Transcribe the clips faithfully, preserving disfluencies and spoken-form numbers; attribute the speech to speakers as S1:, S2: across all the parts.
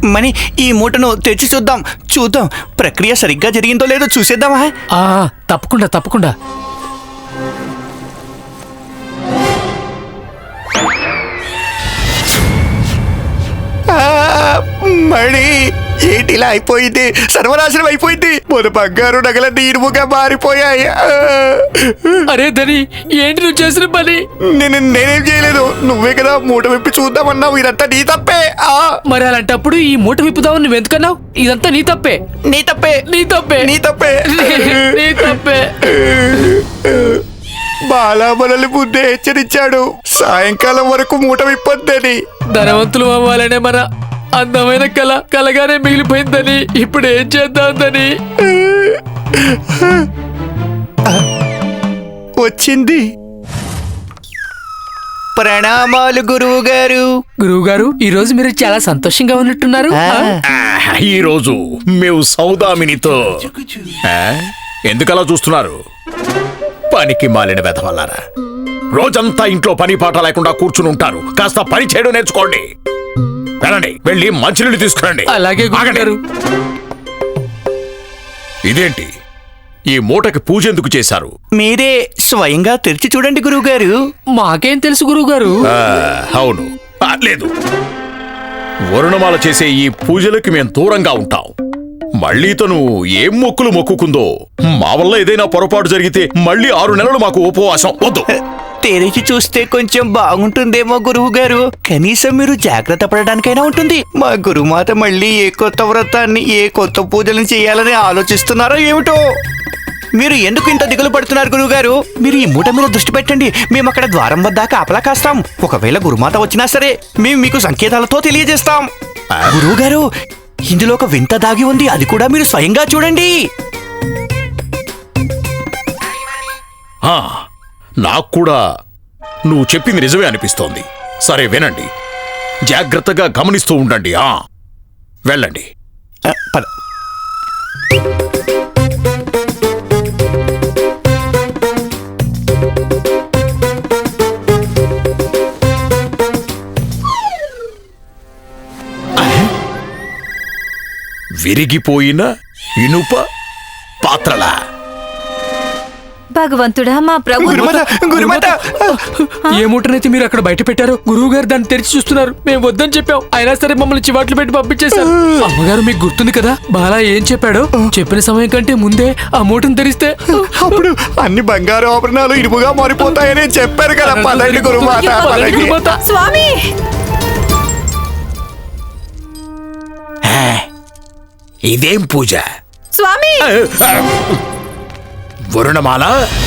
S1: మణి, ఈ మూటను తెచ్చి చూద్దాం చూద్దాం ప్రక్రియ సరిగ్గా జరిగిందో లేదో చూసేద్దామా?
S2: ఆ తప్పకుండా తప్పకుండా.
S1: మణి, ఏంటి ఇలా అయిపోయింది? సర్వనాశనం అయిపోయింది. మన బంగారు నగలన్నీ ఇనుముగా మారిపోయాయి.
S2: అరే ధని, ఏంటి నువ్వు చేసిన పని?
S1: నేను నేనేం చేయలేదు, నువ్వే కదా మూట విప్పి చూద్దామన్నావు. ఇదంతా నీ తప్పే.
S2: మరి అలాంటప్పుడు ఈ మూట విప్పుదావు నువ్వు ఎందుకన్నావు? ఇదంతా నీ తప్పే.
S1: నీ తప్పే
S2: నీ తప్పే
S1: నీ తప్పే
S2: నీ తప్పే.
S1: బాలా మనల్ని ముందే హెచ్చరించాడు, సాయంకాలం వరకు మూట విప్పొద్దని.
S2: ధనవంతులు అవ్వాలనే మన అందమైన కళ కలగానే మిగిలిపోయిందని ఇప్పుడు ఏం చేద్దాందని
S1: వచ్చింది. ప్రణామాలు గురువు గారు.
S2: గురువు గారు, ఈ రోజు మీరు చాలా సంతోషంగా ఉన్నట్టున్నారు.
S3: ఈ రోజు మేము సౌదామినితో. ఎందుకలా చూస్తున్నారు? పనికి మాలిన వెధవల్లారా, రోజంతా ఇంట్లో పని పాట లేకుండా కూర్చుని ఉంటారు. కాస్త పని చేయడం నేర్చుకోండి. వెళ్ళండి, వెళ్ళి మంచినీళ్ళు తీసుకురండి.
S2: అలాగే గురుగారు.
S3: ఇదేంటి, ఈ మూటకి పూజ ఎందుకు చేశారు?
S1: మీరే స్వయంగా తెరిచి చూడండి గురువు గారు.
S2: మాకేం తెలుసు గురువు గారు?
S3: అవును, లేదు, వరుణమాల చేసే ఈ పూజలకి మేం దూరంగా ఉంటాం. మళ్ళీ తను ఏం మొక్కులు మొక్కుకుందో, మా వల్ల ఏదైనా పొరపాటు జరిగితే మళ్ళీ ఆరు నెలలు మాకు ఉపవాసం. వద్దు.
S1: తెరిచి చూస్తే కొంచెం బాగుంటుందేమో గురువు గారు. కనీసం మీరు జాగ్రత్త పడడానికైనా ఉంటుంది. మా గురుమాత మళ్ళీ ఏ కొత్త వ్రతాన్ని, ఏ కొత్త పూజలను చేయాలని ఆలోచిస్తున్నారో ఏమిటో. మీరు ఎందుకు ఇంత దిగులు పడుతున్నారు గురువు గారు? మీరు ఈ మూట మీద దృష్టి పెట్టండి. మేము అక్కడ ద్వారం వద్ద కాపలా కాస్తాం. ఒకవేళ గురుమాత వచ్చినా సరే మేము మీకు సంకేతాలతో తెలియజేస్తాం. గురువు గారు, ఇందులో ఒక వింత దాగి ఉంది, అది కూడా మీరు స్వయంగా చూడండి.
S3: నాకు కూడా నువ్వు చెప్పింది నిజమే అనిపిస్తోంది. సరే వినండి, జాగ్రత్తగా గమనిస్తూ ఉండండి. ఆ వెళ్ళండి.
S1: పద.
S3: విరిగిపోయిన ఇనుప పాత్రలా?
S4: భగవంతుడా, మా ప్రభు.
S2: ఏ మూటనైతే మీరు అక్కడ బయట పెట్టారో గురువు గారు దాన్ని తెరిచి చూస్తున్నారు. మేము వద్దని చెప్పాం, అయినా సరే మమ్మల్ని చివాట్లు పెట్టి పంపించేశారు. అమ్మగారు, మీకు గుర్తుంది కదా బాలా ఏం చెప్పాడో? చెప్పిన సమయం కంటే ముందే ఆ మూటను తెరిస్తే
S1: అప్పుడు అన్ని బంగారు ఆభరణాలు ఇనుముగా మారిపోతాయని చెప్పారు కదా. పదండి గురుమాత.
S4: స్వామి,
S3: ఇదేం పూజ?
S4: స్వామి,
S3: వరుణమాల,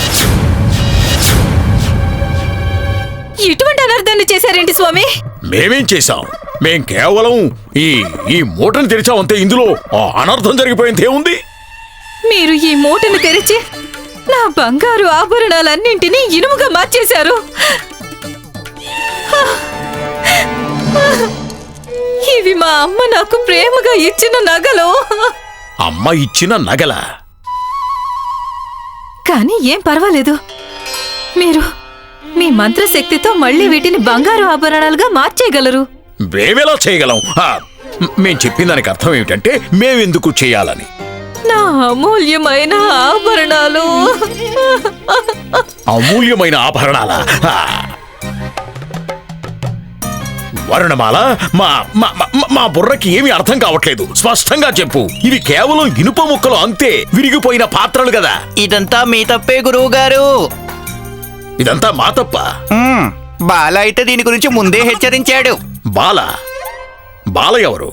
S4: ఇటువంటి అనర్థాన్ని చేశారేంటి స్వామి?
S3: మేమేం చేశాం? మేం కేవలం ఈ ఈ మూటను తెరిచామంతే. ఇందులో అనర్థం జరిగిపోయింది ఏముంది?
S4: మీరు ఈ మూటను తెరిచి నా బంగారు ఆభరణాలన్నింటినీ ఇనుముగా మార్చేశారు. ఇవి మా అమ్మ నాకు ప్రేమగా ఇచ్చిన నగలు.
S3: అమ్మ ఇచ్చిన నగల?
S4: కానీ ఏం పర్వాలేదు, మీరు మీ మంత్రశక్తితో మళ్ళీ వీటిని బంగారు ఆభరణాలుగా మార్చేయగలరు.
S3: మేమెలా చేయగలం? మేం చెప్పిన దానికి అర్థం ఏమిటంటే మేమెందుకు చేయాలని.
S4: నా అమూల్యమైన ఆభరణాలు.
S3: అమూల్యమైన ఆభరణాల? వరుణమాల, మా మా బుర్రకి ఏమీ అర్థం కావట్లేదు. స్పష్టంగా చెప్పు. ఇవి కేవలం ఇనుప ముక్కలు అంతే, విరిగిపోయిన పాత్రలు కదా.
S1: ఇదంతా మీ తప్పే గురువు గారు.
S3: ఇదంతా మా తప్ప?
S1: బాల అయితే దీని గురించి ముందే హెచ్చరించాడు.
S3: బాల? బాల ఎవరు?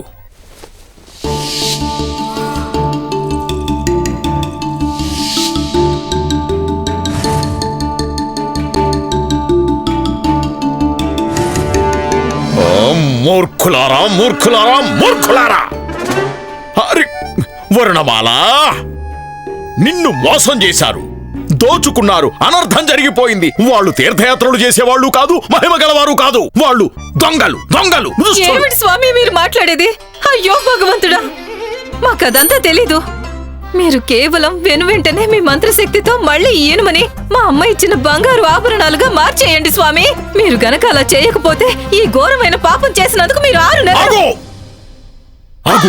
S3: మూర్ఖులారా, మూర్ఖులారా, మూర్ఖులారా! అరే వరుణమాల, నిన్ను మోసం చేశారు, దోచుకున్నారు, అనర్థం జరిగిపోయింది. వాళ్ళు తీర్థయాత్రలు చేసేవాళ్ళు కాదు, మహిమ గలవారు కాదు. వాళ్ళు దొంగలు, దొంగలు.
S4: ఏమిటి స్వామి మీరు మాట్లాడేది? అయ్యో భగవంతుడా, మాకదంతా తెలీదు. మీరు కేవలం వెను వెంటనే మీ మంత్రశక్తితో మళ్ళీ ఈయనమని మా అమ్మ ఇచ్చిన బంగారు ఆభరణాలుగా మార్చేయండి స్వామి. మీరు గనక అలా చేయకపోతే ఈ ఘోరమైన పాపం చేసినందుకు మీరు ఆరు నెలలు.
S3: ఆగు.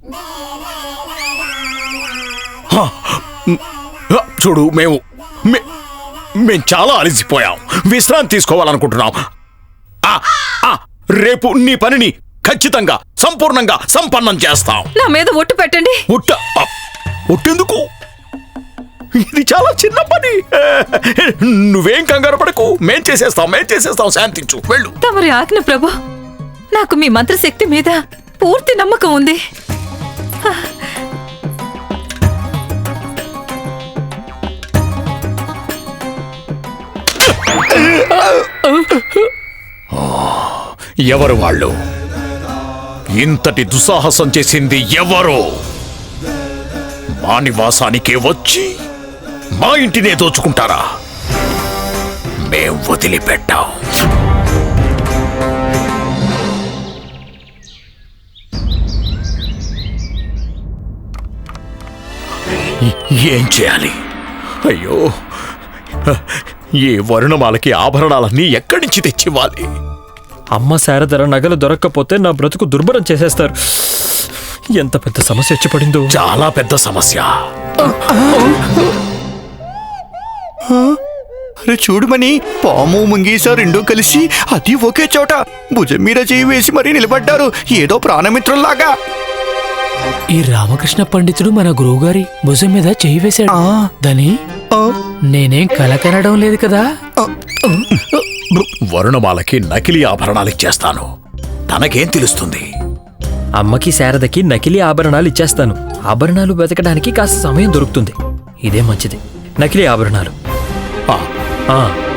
S3: హ, హ, చూడు మేము మే- మేం చాలా అలసిపోయాం, విశ్రాంతి తీసుకోవాలనుకుంటున్నాం. ఆ, ఆ, రేపు నీ పనిని ఖచ్చితంగా సంపూర్ణంగా సంపన్నం చేస్తాం.
S4: నా మీద ఒట్టు పెట్టండి.
S3: ఒట్ట ఆ, ఒట్టెందుకు? ఇది చాలా చిన్న పని. నువ్వేం కంగారు పడకు, మేం చేసేస్తాం మేం చేసేస్తాం శాంతించు, వెళ్ళు.
S4: తమరి ఆజ్ఞ ప్రభు. నాకు మీ మంత్రశక్తి మీద పూర్తి నమ్మకం ఉంది.
S3: ఎవరు వాళ్ళు? ఇంతటి దుస్సాహసం చేసింది ఎవరు? మా నివాసానికే వచ్చి మా ఇంటినే దోచుకుంటారా? మేం వదిలిపెట్టాం. ఏం చేయాలి? అయ్యో, ఈ వరుణమాలకి ఆభరణాలన్నీ ఎక్కడి నుంచి తెచ్చివ్వాలి?
S5: అమ్మ శారదర నగలు దొరక్కపోతే నా బ్రతుకు దుర్భరం చేసేస్తారు. ఎంత పెద్ద సమస్య వచ్చి పడిందో.
S3: చాలా పెద్ద సమస్య.
S1: అరే చూడుమని, పాము ముంగీస రెండూ కలిసి అది ఒకే చోట భుజం మీద చేయి వేసి మరీ నిలబడ్డారు, ఏదో ప్రాణమిత్రుల్లాగా.
S2: ఈ రామకృష్ణ పండితుడు మన గురువుగారి భుజం మీద చేయి వేశాడు.
S1: ఆ.
S2: దాని
S1: ఆ,
S2: నేనేం కల కనడం లేదు కదా.
S1: ఆ,
S3: వరుణమాలకి నకిలీ ఆభరణాలు ఇచ్చేస్తాను. తనకేం తెలుస్తుంది?
S5: అమ్మకి శారదకి నకిలీ ఆభరణాలు ఇచ్చేస్తాను. ఆభరణాలు వెతకడానికి కాస్త సమయం దొరుకుతుంది. ఇదే మంచిది. నకిలీ ఆభరణాలు.
S3: ఆ,
S5: ఆ,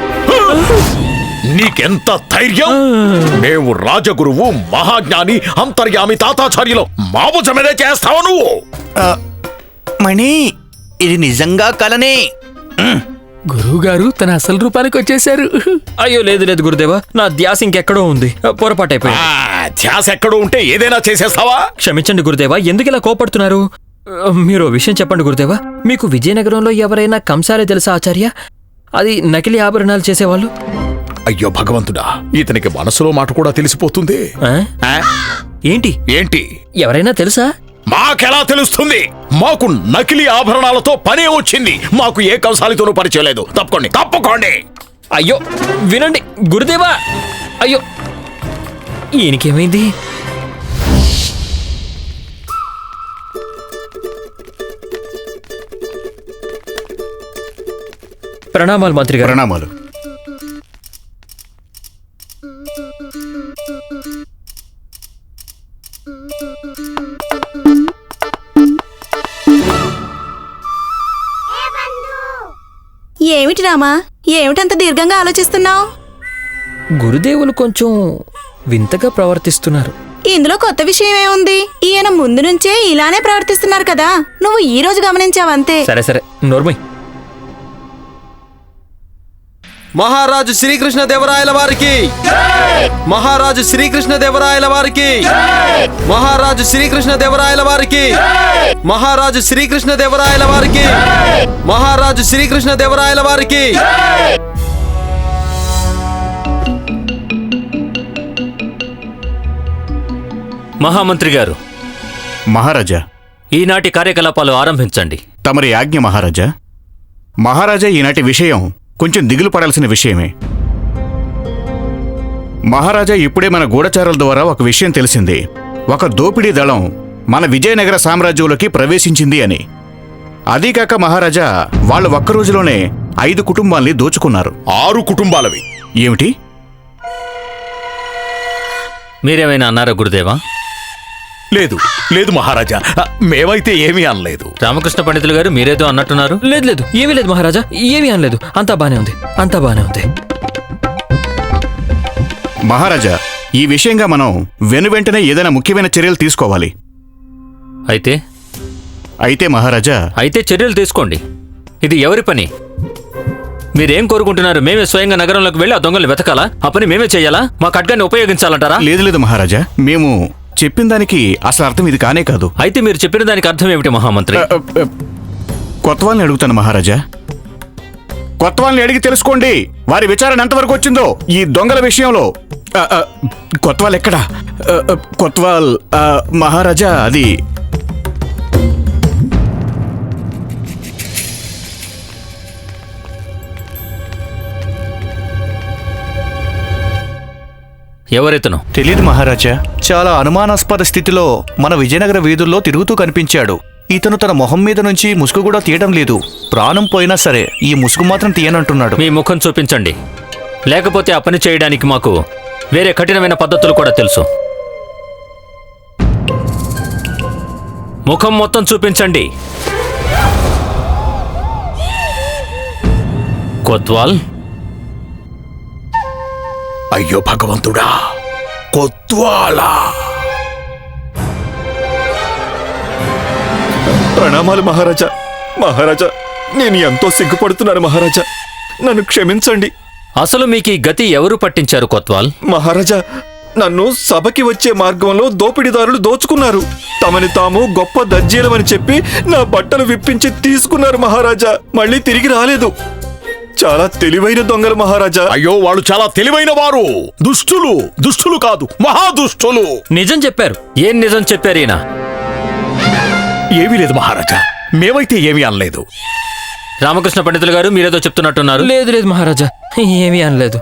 S3: నీకెంత ధైర్యం? మేము రాజగురువు మహాజ్ఞాని అంతర్యామి తాతాచార్యులు మా భుజమేదే చేస్తావు నువ్వు?
S1: ఆ, మణి, ఇది నిజంగా కలనే.
S2: గురువుగారు తన అసలు రూపానికి వచ్చేశారు.
S5: అయ్యో లేదు లేదు గురుదేవా, నా ధ్యాస ఇంకెక్కడో ఉంది. పొరపాటైపోయింది.
S3: ఆ, ధ్యాస ఎక్కడో ఉంటే ఏదైనా చేసేస్తావా?
S5: క్షమించండి గురుదేవా, ఎందుకు ఇలా కోపడుతున్నారు? మీరు ఓ విషయం చెప్పండి గురుదేవా. మీకు విజయనగరంలో ఎవరైనా కంసాలే తెలుసా ఆచార్య? అది నకిలీ ఆభరణాలు చేసేవాళ్ళు.
S3: అయ్యో భగవంతుడా, ఇతనికి మనసులో మాట కూడా తెలిసిపోతుంది.
S5: ఆ?
S3: ఆ?
S5: ఏంటి
S3: ఏంటి?
S5: ఎవరైనా తెలుసా?
S3: మాకెలా తెలుస్తుంది? మాకు నకిలీ ఆభరణాలతో పనే వచ్చింది. మాకు ఏ కంసాలితోనూ పరిచయం లేదు. తప్పుకోండి తప్పుకోండి.
S5: అయ్యో వినండి గురుదేవా. అయ్యో ఈయనకేమైంది? ప్రణామాలు మంత్రి గారు.
S1: ప్రణామాలు.
S6: ఏమిటి రామా, ఏమిటంత దీర్ఘంగా ఆలోచిస్తున్నావు?
S5: గురుదేవులు కొంచెం వింతగా ప్రవర్తిస్తున్నారు.
S6: ఇందులో కొత్త విషయం ఏముంది? ఈయన ముందు నుంచే ఇలానే ప్రవర్తిస్తున్నారు కదా, నువ్వు ఈ రోజు గమనించావంతే.
S5: సరే సరే నోర్మై.
S7: మహారాజు శ్రీకృష్ణ దేవరాయల వారికి, మహారాజు శ్రీకృష్ణ దేవరాయల వారికి, మహారాజు శ్రీకృష్ణ దేవరాయల వారికి, మహారాజు శ్రీకృష్ణ దేవరాయల వారికి, మహారాజు శ్రీకృష్ణ దేవరాయల వారికి.
S8: మహామంత్రి గారు,
S1: మహారాజా,
S8: ఈనాటి కార్యకలాపాలు ఆరంభించండి.
S1: తమరి ఆజ్ఞ మహారాజా. మహారాజా, ఈనాటి విషయం కొంచెం దిగులు పడాల్సిన విషయమే. మహారాజా, ఇప్పుడే మన గూఢచారుల ద్వారా ఒక విషయం తెలిసింది. ఒక దోపిడీ దళం మన విజయనగర సామ్రాజ్యంలోకి ప్రవేశించింది అని. అదీకాక మహారాజా, వాళ్ళు ఒక్క రోజులోనే ఐదు కుటుంబాల్ని దోచుకున్నారు.
S3: ఆరు కుటుంబాలవి.
S1: ఏమిటి?
S8: మీరేమైనా అన్నారా గురుదేవా?
S3: లేదు లేదు మహారాజా, మేమైతే ఏమీ అనలేదు.
S8: రామకృష్ణ పండితులు గారు మీరేదో అన్నట్టున్నారు.
S5: లేదు లేదు ఏమీ లేదు మహారాజా, ఏమీ అనలేదు. అంతా బానే ఉంది, అంతా బానే ఉంది.
S1: మహారాజా, ఈ విషయంగా మనం వెనువెంటనే ఏదైనా ముఖ్యమైన చర్యలు తీసుకోవాలి.
S8: అయితే
S1: అయితే మహారాజా,
S8: అయితే చర్యలు తీసుకోండి. ఇది ఎవరి పని? మీరేం కోరుకుంటున్నారు? మేమే స్వయంగా నగరంలోకి వెళ్ళి ఆ దొంగలు వెతకాలా? ఆ పని మేమే చేయాలా? మా ఖడ్గాన్ని ఉపయోగించాలంటారా?
S1: లేదు లేదు మహారాజా, మేము చెప్పిన దానికి అసలు అర్థం ఇది కానే కాదు.
S8: అయితే మీరు చెప్పిన దానికి అర్థం ఏమిటి మహామంత్రి?
S1: అ, అ, అ, కొత్త వాళ్ళని అడుగుతాను మహారాజా. కొత్త వాళ్ళని అడిగి తెలుసుకోండి వారి విచారణ ఎంతవరకు వచ్చిందో ఈ దొంగల విషయంలో.
S3: ఆ, ఆ, కొత్వాల్ ఎక్కడా ఆ, ఆ, కొత్వాల్ ఆ, మహారాజా అది
S8: ఎవరెతను?
S1: తెలియదు మహారాజా. చాలా అనుమానాస్పద స్థితిలో మన విజయనగర వీధుల్లో తిరుగుతూ కనిపించాడు. ఇతను తన మొహం మీద నుంచి ముసుగు కూడా తీయడం లేదు. ప్రాణం పోయినా సరే ఈ ముసుగు మాత్రం తీయనంటున్నాడు.
S8: మీ ముఖం చూపించండి, లేకపోతే ఆ పని చేయడానికి మాకు వేరే కఠినమైన పద్ధతులు కూడా తెలుసు. ముఖం మొత్తం చూపించండి. కొత్వాల్,
S3: అయ్యో భగవంతుడా, కొత్వాలా!
S9: ప్రణామాలు మహారాజా. మహారాజా, నేను ఎంతో సిగ్గుపడుతున్నాను మహారాజా, నన్ను క్షమించండి.
S8: అసలు మీకు ఈ గతి ఎవరు పట్టించారు కొత్వాల్?
S9: మహారాజా, నన్ను సభకి వచ్చే మార్గంలో దోపిడీదారులు దోచుకున్నారు. తమని తాము గొప్ప దర్జీలమని చెప్పి నా బట్టలు విప్పించి తీసుకున్నారు మహారాజా. మళ్ళీ తిరిగి రాలేదు. చాలా తెలివైన దొంగలు మహారాజా.
S3: అయ్యో, వాళ్ళు చాలా తెలివైన వారు. దుష్టులు, దుష్టులు కాదు, మహాదుష్టులు.
S5: నిజం చెప్పారు.
S8: ఏం నిజం చెప్పారు ఈయన?
S3: ఏమీ లేదు మహారాజా, మేమైతే ఏమీ అనలేదు.
S8: రామకృష్ణ పండితులు గారు, మీరేదో చెప్తున్నట్టున్నారు.
S5: లేదు లేదు మహారాజా, ఏమీ అనలేదు.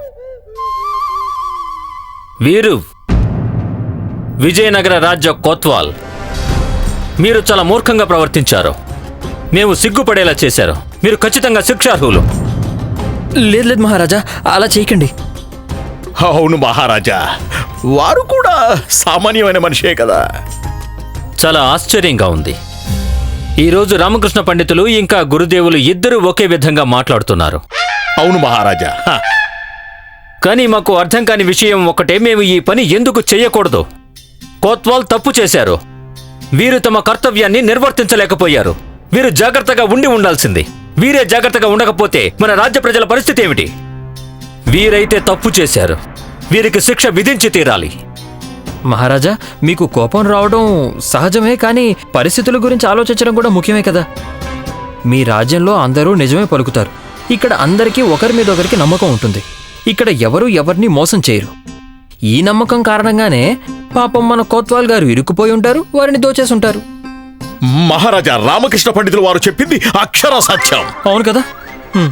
S8: వీరు విజయనగర రాజ్య కొత్వాల్. మీరు చాలా మూర్ఖంగా ప్రవర్తించారు. మేము సిగ్గుపడేలా చేశారు. మీరు ఖచ్చితంగా శిక్షార్హులు.
S5: లేదు లేదు మహారాజా, అలా చేయకండి.
S3: అవును మహారాజా, వారు కూడా సామాన్యమైన మనిషే కదా.
S8: చాలా ఆశ్చర్యంగా ఉంది. ఈరోజు రామకృష్ణ పండితులు ఇంకా గురుదేవులు ఇద్దరూ ఒకే విధంగా మాట్లాడుతున్నారు.
S3: అవును మహారాజా. హ,
S8: కానీ మాకు అర్థం కాని విషయం ఒకటే, మేము ఈ పని ఎందుకు చెయ్యకూడదు? కోత్వాల్ తప్పు చేశారు. వీరు తమ కర్తవ్యాన్ని నిర్వర్తించలేకపోయారు. వీరు జాగ్రత్తగా ఉండి ఉండాల్సింది. వీరే జాగ్రత్తగా ఉండకపోతే మన రాజ్య ప్రజల పరిస్థితి ఏమిటి? వీరైతే తప్పు చేశారు. వీరికి శిక్ష విధించి తీరాలి.
S5: మహారాజా, మీకు కోపం రావడం సహజమే, కానీ పరిస్థితుల గురించి ఆలోచించడం కూడా ముఖ్యమే కదా. మీ రాజ్యంలో అందరూ నిజమే పలుకుతారు. ఇక్కడ అందరికీ ఒకరి మీద ఒకరికి నమ్మకం ఉంటుంది. ఇక్కడ ఎవరు ఎవరిని మోసం చేయరు. ఈ నమ్మకం కారణంగానే పాపం మన కోత్వాల్ గారు ఇరుక్కుపోయి ఉంటారు, వారిని దోచేసుంటారు.
S3: మహారాజా, రామకృష్ణ పండితులు వారు చెప్పింది అక్షర సత్యం.
S5: అవును కదా. హ్మ్.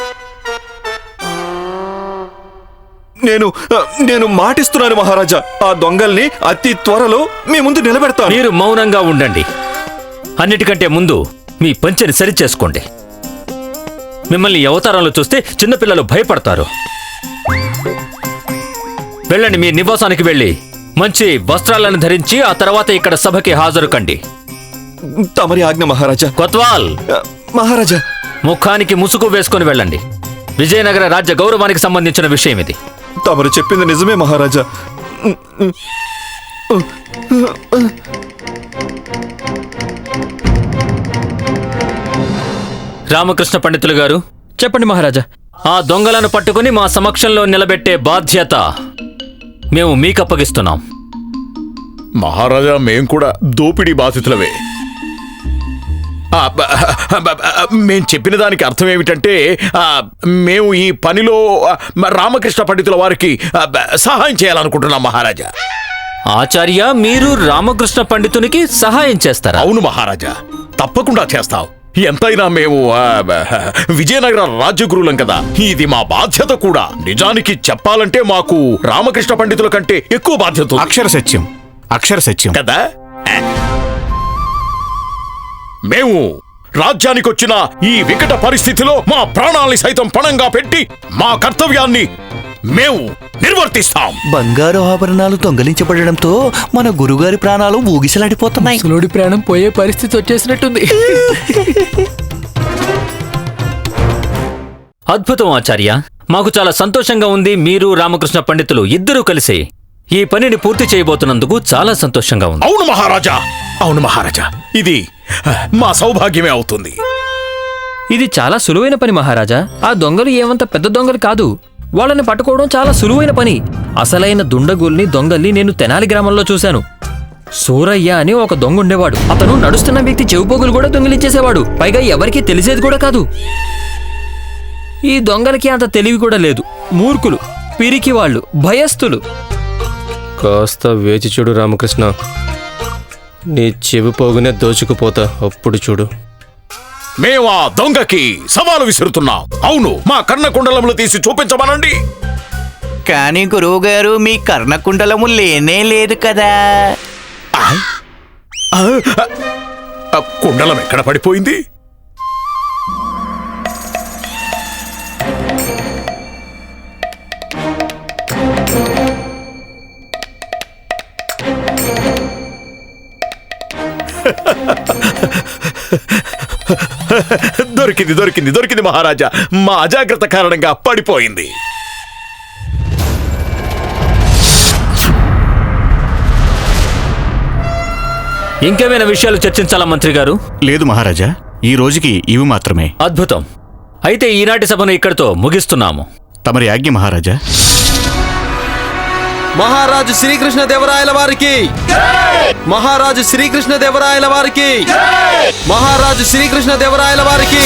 S9: నేను నేను మాటిస్తున్నాను మహారాజా, ఆ దొంగల్ని అతి త్వరలో మీ ముందు నిలబెడతాను.
S8: మీరు మౌనంగా ఉండండి. అన్నిటికంటే ముందు మీ పంచెని సరిచేసుకోండి. మిమ్మల్ని ఈ అవతారంలో చూస్తే చిన్నపిల్లలు భయపడతారు. వెళ్ళండి, మీ నివాసానికి వెళ్ళి మంచి వస్త్రాలను ధరించి ఆ తర్వాత ఇక్కడ సభకి హాజరు కండి.
S9: తమరి ఆజ్ఞ మహారాజా.
S8: కొత్వాల్,
S9: మహారాజా,
S8: ముఖానికి ముసుగు వేసుకొని వెళ్ళండి. విజయనగర రాజ్య గౌరవానికి సంబంధించిన విషయం ఇది.
S9: తమరు చెప్పింది నిజమే మహారాజా.
S8: రామకృష్ణ పండితులు గారు,
S5: చెప్పండి మహారాజా.
S8: ఆ దొంగలను పట్టుకుని మా సమక్షంలో నిలబెట్టే బాధ్యత మేము మీకు అప్పగిస్తున్నాం.
S3: మహారాజా, మేం కూడా దోపిడీ బాధితులవే. ఆ, బ- బ- బ- మేం చెప్పిన దానికి అర్థం ఏమిటంటే, ఆ, మేము ఈ పనిలో ఆ, రామకృష్ణ పండితుల వారికి ఆ, బ- సహాయం చేయాలనుకుంటున్నాం మహారాజా.
S8: ఆచార్య, మీరు రామకృష్ణ పండితునికి సహాయం చేస్తారా?
S3: అవును మహారాజా, తప్పకుండా చేస్తాం. ఎంతైనా మేము ఆ, బ- విజయనగర రాజగురులం కదా, ఇది మా బాధ్యత కూడా. నిజానికి చెప్పాలంటే మాకు రామకృష్ణ పండితుల కంటే ఎక్కువ బాధ్యత ఉంది.
S1: అక్షర సత్యం, అక్షర సత్యం
S3: కదా. మేము రాజ్యానికి వచ్చిన ఈ వికట పరిస్థితిలో మా ప్రాణాల్ని సైతం పణంగా పెట్టి మా కర్తవ్యాన్ని మేము నిర్వర్తిస్తాం.
S1: బంగారు ఆభరణాలు దొంగలించబడడంతో మన గురుగారి ప్రాణాలు ఊగిసలాడిపోతున్నాయి.
S2: ముసలోడి ప్రాణం పోయే పరిస్థితి వచ్చేసినట్టుంది.
S8: అద్భుతం ఆచార్య, మాకు చాలా సంతోషంగా ఉంది. మీరు రామకృష్ణ పండితులు ఇద్దరూ కలిసి ఈ పనిని పూర్తి చేయబోతున్నందుకు చాలా సంతోషంగా ఉంది.
S3: అవును మహారాజా, అవును మహారాజా, ఇది మా సౌభాగ్యమే అవుతుంది.
S5: ఇది చాలా సులువైన పని మహారాజా. ఆ దొంగలు ఏమంత పెద్ద దొంగలు కాదు. వాళ్ళని పట్టుకోవడం చాలా సులువైన పని. అసలైన దుండగుల్ని, దొంగల్ని నేను తెనాలి గ్రామంలో చూశాను. సూరయ్య అని ఒక దొంగ ఉండేవాడు. అతను నడుస్తున్న వ్యక్తి చెవిపోగులు కూడా దొంగిలించేసేవాడు. పైగా ఎవరికీ తెలిసేది కూడా కాదు. ఈ దొంగలకి అంత తెలివి కూడా లేదు. మూర్ఖులు, పిరికి వాళ్ళు, భయస్థులు.
S7: కాస్త వేచి చూడు రామకృష్ణ, నీ చెవి పోగునే దోచుకుపోతా, అప్పుడు చూడు.
S3: మేము ఆ దొంగకి సవాలు విసురుతున్నాం. అవును, మా కర్ణకుండలములు తీసి చూపించమనండి.
S1: కానీ గురువు గారు మీ కర్ణకుండలము లేనే లేదు కదా.
S3: ఆ, ఆ కుండలం ఎక్కడ పడిపోయింది? దొరికింది దొరికింది దొరికింది మహారాజా. మా అజాగ్రత్త కారణంగా పడిపోయింది.
S8: ఇంకేమైనా విషయాలు చర్చించాలా మంత్రి గారు?
S10: లేదు మహారాజా, ఈ రోజుకి ఇవి మాత్రమే.
S8: అద్భుతం. అయితే ఈనాటి సభను ఇక్కడితో ముగిస్తున్నాము.
S10: తమరి ఆజ్ఞ మహారాజా.
S7: మహారాజు శ్రీకృష్ణ దేవరాయల వారికి, మహారాజు శ్రీకృష్ణ దేవరాయల వారికి, మహారాజు శ్రీకృష్ణ దేవరాయల వారికి.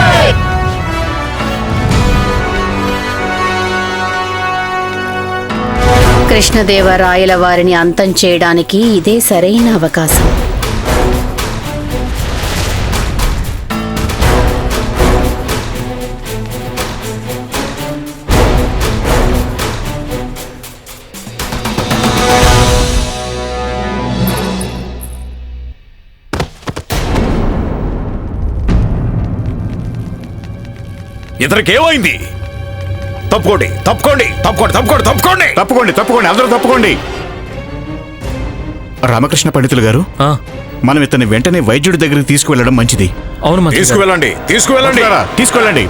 S11: కృష్ణదేవరాయల వారిని అంతం చేయడానికి ఇదే సరైన అవకాశం.
S3: ఇతనికేమైంది? తప్పుకోండి తప్పుకోండి తప్పుకోండి తప్పుకోండి తప్పుకోండి
S10: తప్పుకోండి తప్పుకోండి అందరూ తప్పుకోండి. రామకృష్ణ పండితులు గారు,
S5: ఆ,
S10: మనం ఇతన్ని వెంటనే వైద్యుడి దగ్గరికి తీసుకువెళ్ళడం మంచిది.
S5: అవును మంత్రి గారు.
S3: తీసుకువెళ్ళండి తీసుకువెళ్ళండి.
S10: వస్తారా? తీసుకెళ్ళండి.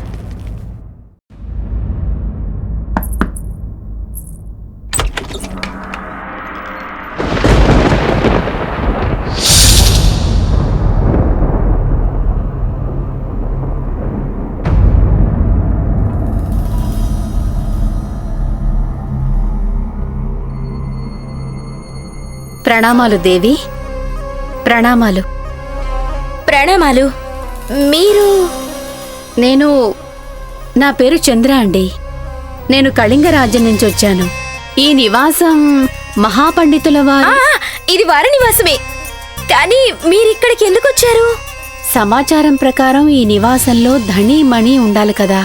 S11: ప్రణామాలు దేవి, ప్రణామాలు.
S6: ప్రణామాలు. మీరు?
S11: నేను, నా పేరు చంద్ర అండి. నేను కళింగ రాజ్యం నుంచి వచ్చాను. ఈ నివాసం మహాపండితుల వారు.
S6: ఆ, ఇది వారి నివాసమే. కానీ మీరిక్కడికి ఎందుకు వచ్చారు?
S11: సమాచారం ప్రకారం ఈ నివాసంలో ధణి మణి ఉండాలి కదా.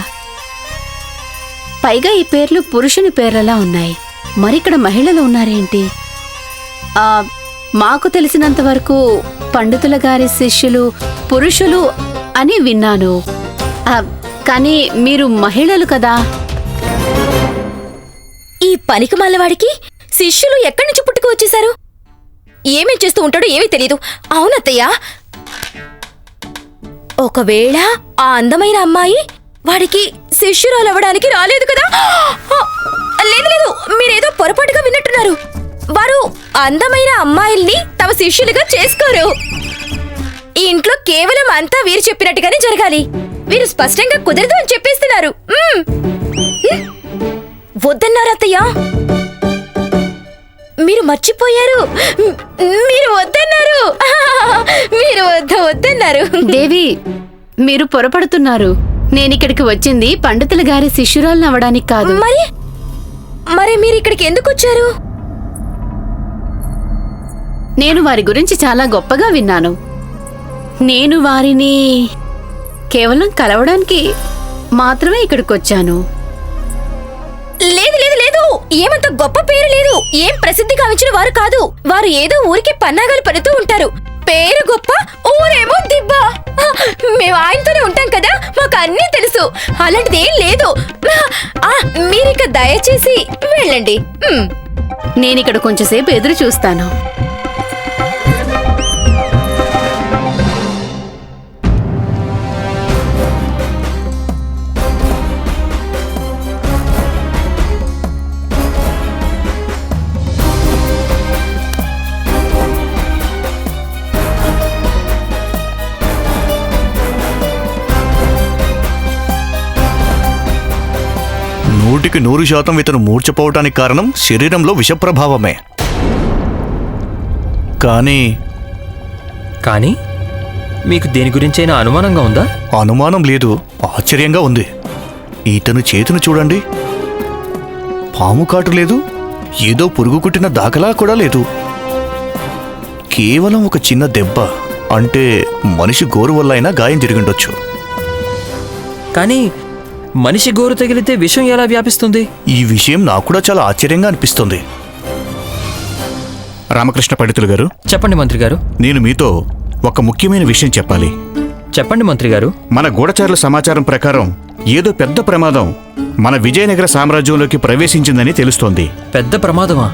S11: పైగా ఈ పేర్లు పురుషుని పేర్లలా ఉన్నాయి. మరిక్కడ మహిళలు ఉన్నారేంటి? ఆ మాకు తెలిసినంత వరకు పండితుల గారి శిష్యులు పురుషులు అని విన్నాను. ఆ, కానీ మీరు మహిళలు కదా.
S6: ఈ పనికి మల్లవాడికి శిష్యులు ఎక్కడి నుంచి పుట్టుకు వచ్చేశారు? ఏమేం చేస్తూ ఉంటాడో ఏమీ తెలియదు. అవునత్తయ్య, ఒకవేళ ఆ అందమైన అమ్మాయి వాడికి శిష్యురాలవ్వడానికి రాలేదు కదా? లేదు లేదు, మీరేదో పొరపాటుగా విన్నట్టున్నారు. వారు అందమైన అమ్మాయిల్ని తమ శిష్యులుగా చేసుకోరు. ఈ ఇంట్లో కేవలం అంతా వీరు చెప్పినట్టుగానే జరగాలి. వీరు స్పష్టంగా కుదరదు అని చెప్పేస్తున్నారు. వద్దన్నారు అత్తయ్య, మీరు మర్చిపోయారు. మీరు వద్దన్నారు, మీరు వద్ద వద్దన్నారు.
S11: దేవి, మీరు పొరపడుతున్నారు. నేనిక్కడికి వచ్చింది పండితుల గారి శిష్యురాలను అవ్వడానికి కాదు.
S6: మరి మరి మీరు ఇక్కడికి ఎందుకు వచ్చారు?
S11: నేను వారి గురించి చాలా గొప్పగా విన్నాను. నేను వారిని కేవలం కలవడానికి మాత్రమే ఇక్కడికొచ్చాను.
S6: లేదు లేదు లేదు, ఏమంత గొప్ప పేరు లేదు. ఏం ప్రసిద్ధి గావించిన వారు కాదు. వారు ఏదో ఊరికి పన్నాగాలు పడుతూ ఉంటారు. పేరు గొప్ప, ఊరేమో దిబ్బ. మేము ఆయనతోనే ఉంటాం కదా, మాకు అన్నీ తెలుసు. అలాంటిది ఏం లేదు. మీరిక దయచేసి వెళ్ళండి.
S11: నేనిక్కడ కొంచెంసేపు ఎదురు చూస్తాను.
S1: నూటికి నూరు శాతం ఇతను మూర్చపోవటానికి కారణం శరీరంలో విషప్రభావమే. కానీ
S5: కానీ మీకు దేని గురించైనా అనుమానంగా ఉందా?
S1: అనుమానం లేదు, ఆశ్చర్యంగా ఉంది. ఇతను చేతిని చూడండి, పాము కాటు లేదు, ఏదో పురుగు కుట్టిన దాఖలా కూడా లేదు. కేవలం ఒక చిన్న దెబ్బ, అంటే మనిషి గోరు వల్ల అయినా గాయం జరిగిండొచ్చు.
S5: కానీ మనిషి గోరు తగిలితే విషం ఎలా వ్యాపిస్తుంది?
S1: ఈ విషయం నాకు కూడా చాలా ఆశ్చర్యంగా అనిపిస్తుంది.
S10: రామకృష్ణ పండితులు గారు,
S5: చెప్పండి మంత్రి గారు.
S10: నేను మీతో ఒక ముఖ్యమైన విషయం చెప్పాలి.
S5: చెప్పండి మంత్రి గారు.
S10: మన గూఢచారుల సమాచారం ప్రకారం ఏదో పెద్ద ప్రమాదం మన విజయనగర సామ్రాజ్యంలోకి ప్రవేశించిందని తెలుస్తోంది.
S5: పెద్ద ప్రమాదమా?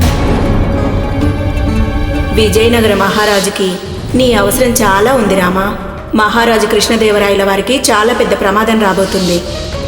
S12: విజయనగర మహారాజుకి నీ అవసరం చాలా ఉంది రామా. మహారాజు కృష్ణదేవరాయల వారికి చాలా పెద్ద ప్రమాదం రాబోతుంది.